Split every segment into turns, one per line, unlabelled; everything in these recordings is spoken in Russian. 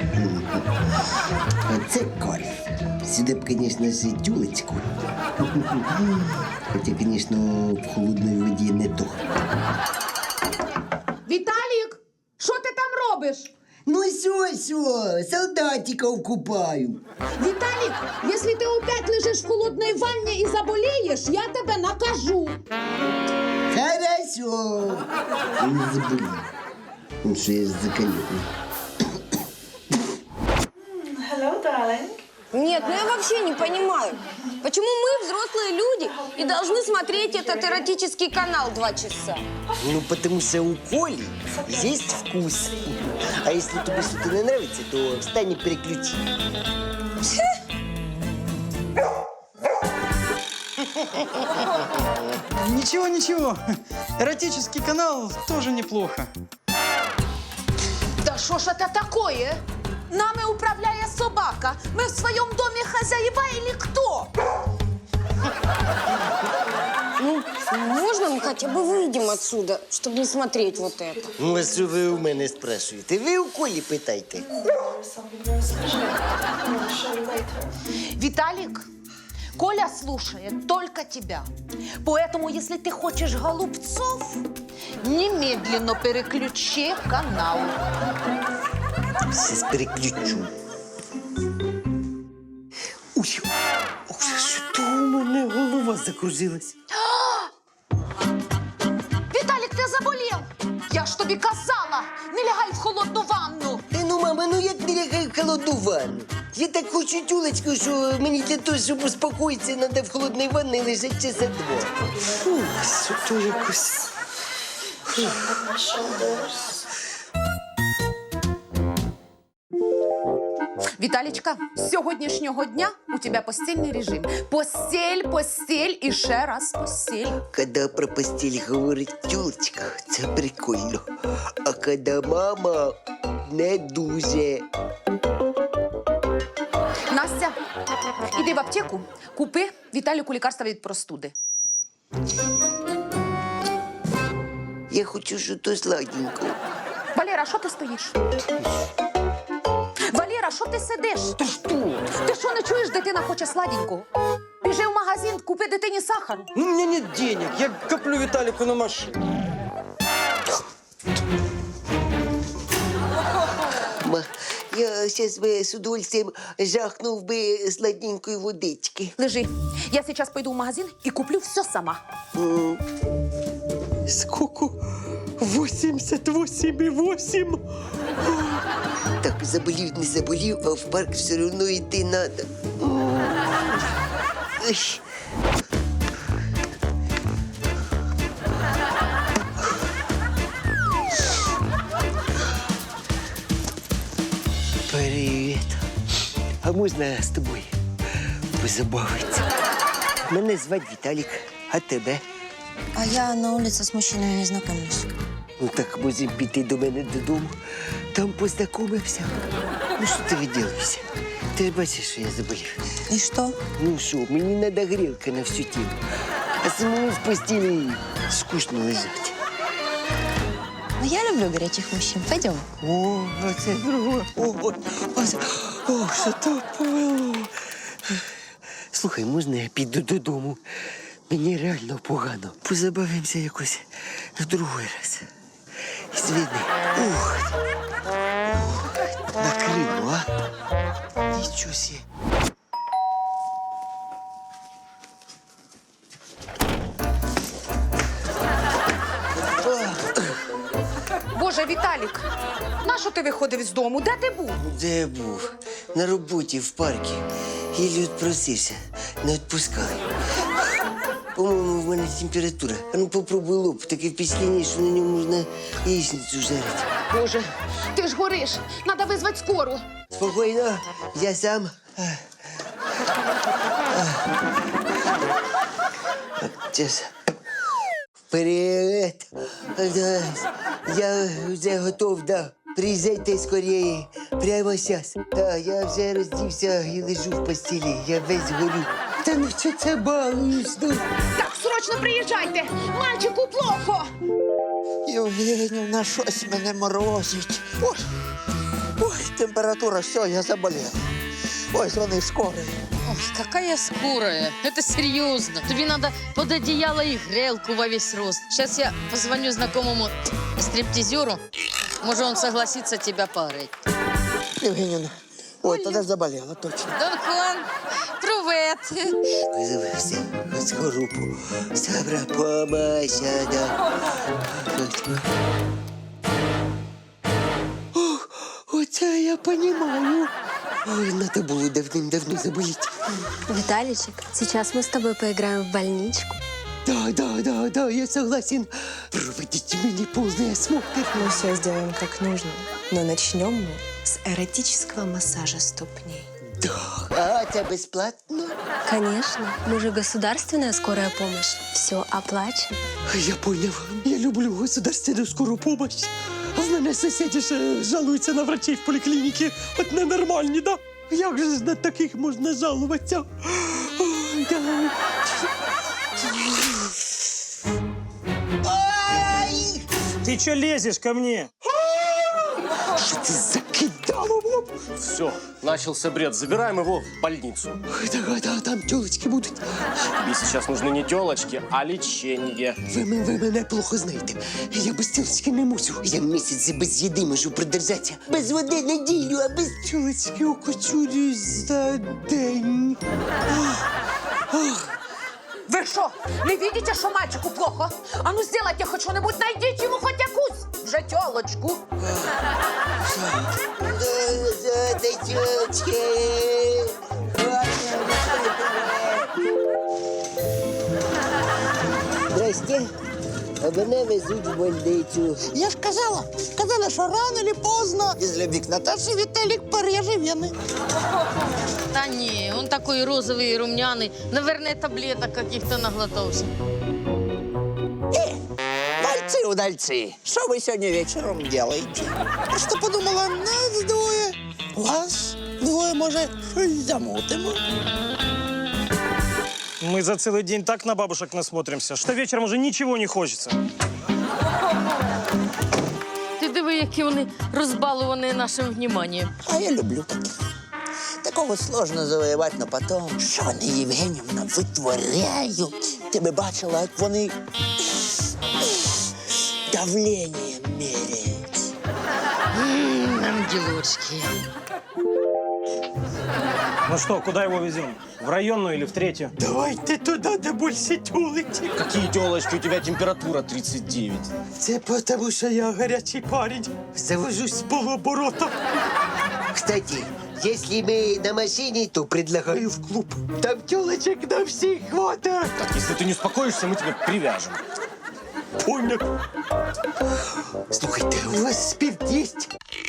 Це кайф. Сюди б, звісно, ж тюлечку. Хоча, звісно, в холодній воді не то.
Віталік, що ти там робиш?
Ну сьо, солдатиков купаю.
Віталік, якщо ти опять лежиш в холодній ванні і заболієш, я тебе накажу.
Хорошо. Не забуду. Ну що я ж закаленный.
Hello, darling.
Нет, ну я вообще не понимаю, почему мы, взрослые люди, и должны смотреть этот эротический канал 2 часа?
Ну, потому что у Коли есть вкус. А если тебе что-то не нравится, то встань и переключи.
Ничего, ничего. Эротический канал тоже неплохо.
Да що ж це такое? Нами управляє собака. Ми в своєму домі хазяїва или хто?
Ну, можно мы хотя бы выйдем отсюда, чтобы не смотреть вот это?
Ну, а що ви у мене спрашуєте? Ви у Колі питайте.
Виталик, Коля слушает только тебя. Поэтому, если ты хочешь голубцов, немедленно переключи канал.
Сейчас переключу. Ой, що у мене голова закружилась.
Виталик, ты заболел! Я ж тобі казала, не лягай в холодну ванну.
Та ну, мама, ну як не лягай в холодну ванну? Я так хочу тюлечку, що мені для того, щоб успокоїтися, треба в холодній ванні лежати часа 2. Фу, що то якось...
My shoulders.
Віталічка, з сьогоднішнього дня у тебе постільний режим. Постіль, постіль і ще раз постіль.
Коли про постіль говорить тюлечка, це прикольно. А коли мама не дуже.
Настя, іди в аптеку, купи Віталіку лікарства від простуди.
Я хочу щось сладенького.
Валера, що ти стоїш? Валера, що ти сидиш?
Ти що?
Ти що, не чуєш, дитина хоче сладенького? Біжи в магазин, купи дитині сахару.
Ну, у меня нет денег. Я коплю Виталику на машину.
Ма, я зараз би з удовольствием жахнув би сладенької водички.
Лежи. Я зараз пойду в магазин і куплю все сама.
Сколько? 88,8. Так, заболів, не заболів, а в парк все одно йти надо. Ой. Привіт. А можна з тобою позабавитися? Мене звати Віталік, а тебе?
А я на улице с мужчиной не знакомлюсь.
Ну так можемо піти до мене додому, там познайомимося. Ну що ти виділишся? Ти ж бачиш, що я заболів.
И что?
Ну що, мені треба грілка на всю тіло. А самому в постілі скучно лежати.
Ну, я люблю горячих мужчин. Пойдем.
О, це друге. О, що то повело. Слухай, можна я піду додому? Мені реально погано. Позабавимося якось в другий раз. Звідни. Ух. Накрило, а? Нічого сі.
Боже, Віталік, нащо ти виходив з дому? Де ти був?
Де я був? На роботі в парку. Єлі відпросився. Не відпускали. По-моєму, в мене температура. А ну попробуй лоб. Таке впечатлення, що на ньому можна яєчницю жарити.
Боже, ти ж гориш. Надо визвати скору.
Спокійно, я сам. Сейчас. Вперед. Да, я вже готов, да. Приїжджайте скоріше. Прямо зараз. Да, я вже роздівся і лежу в постелі. Я весь горю. Та ну що це балуєш? Ну?
Так, срочно приїжджайте. Мальчику плохо.
Євгенівна, щось мене морозить. Ой, ой, температура, все, я заболел. Ой, звони скорой.
Ой, какая скорая. Это серьезно. Тебе надо под одеяло и грелку во весь рост. Сейчас я позвоню знакомому стриптизеру. Может, он согласится тебя парить.
Євгенівна, ой, тоді заболела, точно.
Дон Хуан, привет.
Визивався з групу. Сабра помася, да. О, оце я понімаю. Ой, надо було давним-давно заболіти.
Виталичек, сейчас мы с тобой поиграем в больничку.
Да, я согласен. Проводите мне полный осмотр.
Мы все сделаем как нужно, но начнем мы с эротического массажа ступней.
А це безплатно?
Конечно, мы же государственная скорая помощь. Все оплачено.
Я поняв. Я люблю государственную скорую помощь. А в мене сусіди ж жалуються на врачей в поліклініці. От ненормальні, да? Як же ж на таких можна жалуватися? Ой, да. Ай!
Ты что лезешь ко мне?
Що це закидало в лоб?
Все, начался бред. Забираем его в больницу.
Да, там тілочки будуть.
Тебе сейчас нужны не телочки, а лечение.
Ви мене плохо знаєте. Я без тілочки не мусю. Я місяць без їди можу продержатися. Без води неділю, а без тілочки окочурюсь за день.
Вы что, не видите, что мальчику плохо? А ну сделайте хоть что-нибудь, найдите ему хоть якусь. Вже тёлочку.
За тілочки. Здрасте. А мене везуть в больницю.
Я ж казала, що рано или поздно из любви к Наташе Виталик пореже вены.
Да не, он такой розовый и румяный. Наверное, таблеток каких-то наглотался.
Удальцы, что вы сегодня вечером делаете? Просто подумала, нас двое, вас двое, может, что-нибудь замутим.
Мы за целый день так на бабушек насмотримся, что вечером уже ничего не хочется.
Ти диви, які вони розбалувані нашим вниманием.
А я люблю таких. Такого сложно завоевать, но потом, що вони, Євгенівна, витворяють? Ти би бачила, як вони давление меряють.
Ангелочки.
Ну что, куда его везем? В районную или в третью?
Давайте туди, де більше тілочки.
Какие телочки? У тебя температура 39.
Це потому, що я гарячий парень. Завожусь з полуоборота. Кстати, если мы на машине, то предлагаю в клуб. Там телочек на всех хватает.
Так, если ты не успокоишься, мы тебя привяжем.
Понял. Слухайте, у вас спирт есть?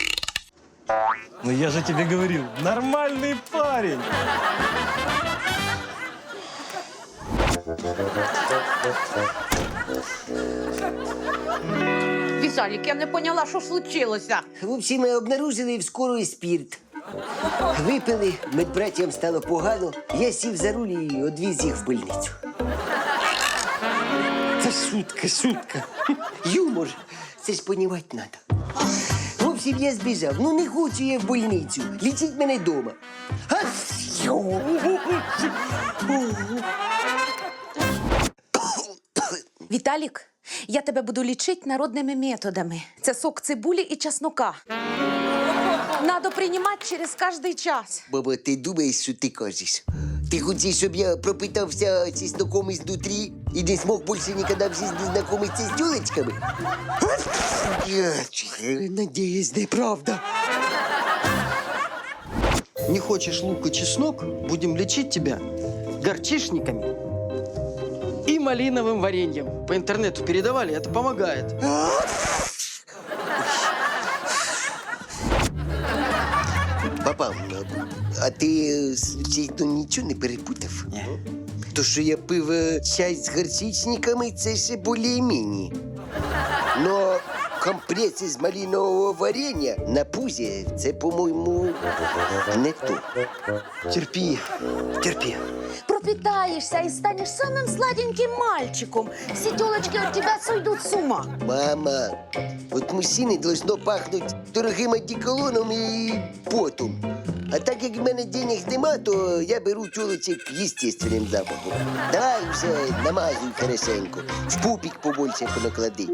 Ну я же тебе говорил, нормальный парень.
Виталик, я не поняла, що случилося.
В общем, мы обнаружили в скорой спирт. Випили, медбратям стало погано. Я сів за руль і одвіз їх в больницю. Це шутка. Юмор. Це ж понімати треба. В общем, я збіжав. Ну не хочу я в больницю. Лічіть мене вдома.
Віталік, я тебе буду лічити народними методами. Це сок цибулі і чеснока. Надо приймати через кожний час.
Баба, ти думаєш, що ти кажеш? Ти хочеш, щоб я пропитався чесноком изнутри і не смог більше ніколи в житті знайомитися з тюлечками? Надіюсь, неправда.
Не хочешь лук и чеснок, будем лечить тебя горчишниками и малиновым вареньем. По интернету передавали, это помогает.
Папа, а ти, случайно, нічого не перепутав?
Ні.
То, що я пив чай з горчичниками, це ще більш-менш. Но компрес із малинового варення на пузі, це, по-моєму, не то.
Терпи.
пропитаешься и станешь самым сладеньким мальчиком. Все телочки от тебя сойдут с ума.
Мама, от мужчини должно пахнути дорогим одеколоном і потом. А так як в мене денег нема, то я беру тілочок естественним запахом. Давай все намазуй хорошенько, в пупик побольше понаклади.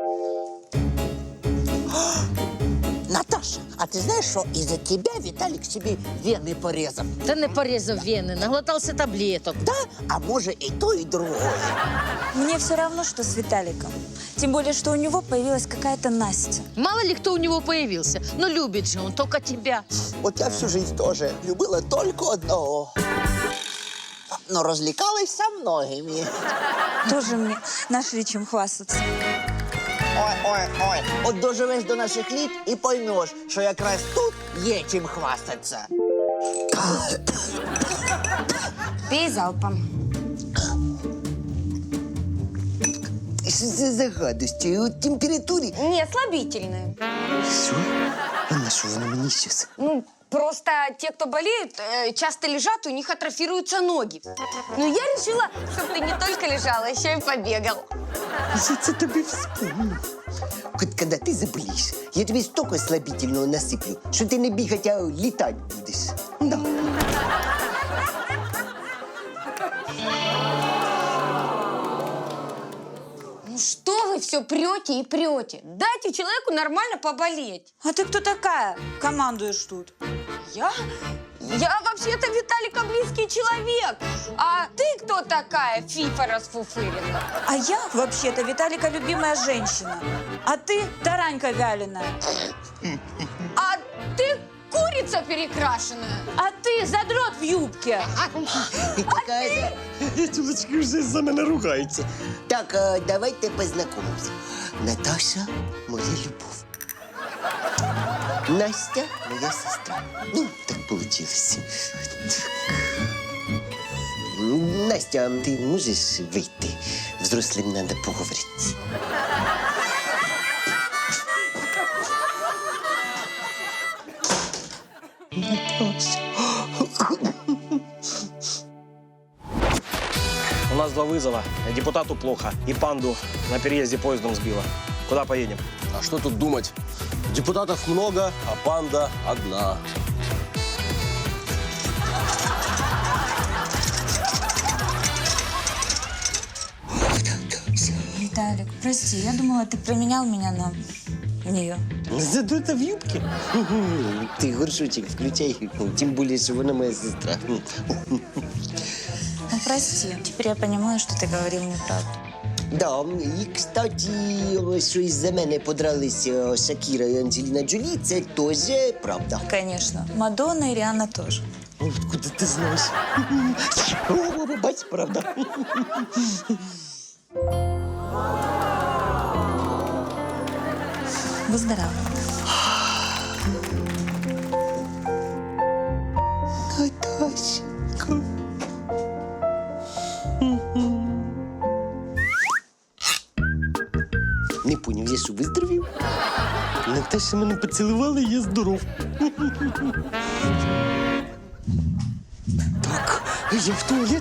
Наташа, а ты знаешь, что из-за тебя Виталик себе вены порезал?
Та не порезав вени, наглотався таблеток.
Да? А может и то, и другое.
Мне все равно, что с Виталиком. Тем более, что у него появилась какая-то Настя.
Мало ли кто у него появился, но любит же он только тебя.
Вот я всю жизнь тоже любила только одного. Но развлекалась со многими.
Тоже мне нашли чем хвастаться.
Ой. От доживеш до наших літ і поймеш, що якраз тут є чим хвастатися.
Пей залпом.
Що це за гадості? От температурі.
Не, слабительное.
Що? А на що воно мені щас?
Ну, просто те, кто болеют, часто лежат, у них атрофируются ноги. Ну, я решила, чтобы ты не только лежал, а еще и побегал.
Я це тобі вспомнив. От коли ти заболієш, я тобі стільки слабительного насиплю, що ти не бігати, а літати будеш. Да.
Ну, что вы все прете и прете? Дайте человеку нормально поболеть.
А ты кто такая? Командуешь тут.
Я? Я вообще-то Виталика близкий человек. А ты кто такая, фифа расфуфыренная?
А я, вообще-то, Виталика любимая женщина. А ты таранька вяленая.
А ты курица перекрашенная.
А ты задрот в юбке.
Тюлечки вже за мене ругаються. Так, а давайте познайомимося. Наташа – моя любов. Настя – моя сестра. Ну, так получилось. Так. Настя, ти можеш вийти? Взрослим треба поговорити. Наташа.
У нас 2 вызова. Депутату плохо. И панду на переезде поездом сбила. Куда поедем?
А что тут думать? Депутатов много, а панда одна.
Виталик, прости, я думала, ты променял меня на нее.
Задута в юбке? Ти горшочек включай, тим більше, що вона моя сестра.
Ну, прости, теперь я понимаю, что ты говорил неправду.
Да, і, кстати, що із-за мене подралися Шакіра і Анджеліна Джолі, це теж правда.
Конечно, Мадонна и Риhanna тоже.
Откуда ти знаєш? О, бач, правда.
Выздоравливай.
Наташенька. Не поняв, я що, виздоровів? Наташа мене поцілувала, і я здоров. Так, я в туалет.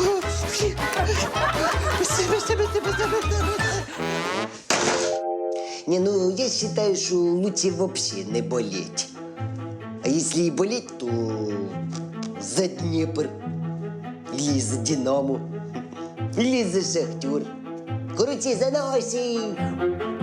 Не, ну, я считаю, что лучше вообще не болеть. А если и болеть, то за Днепр. Или за Динамо. Или за Шахтер. Короче, за наших.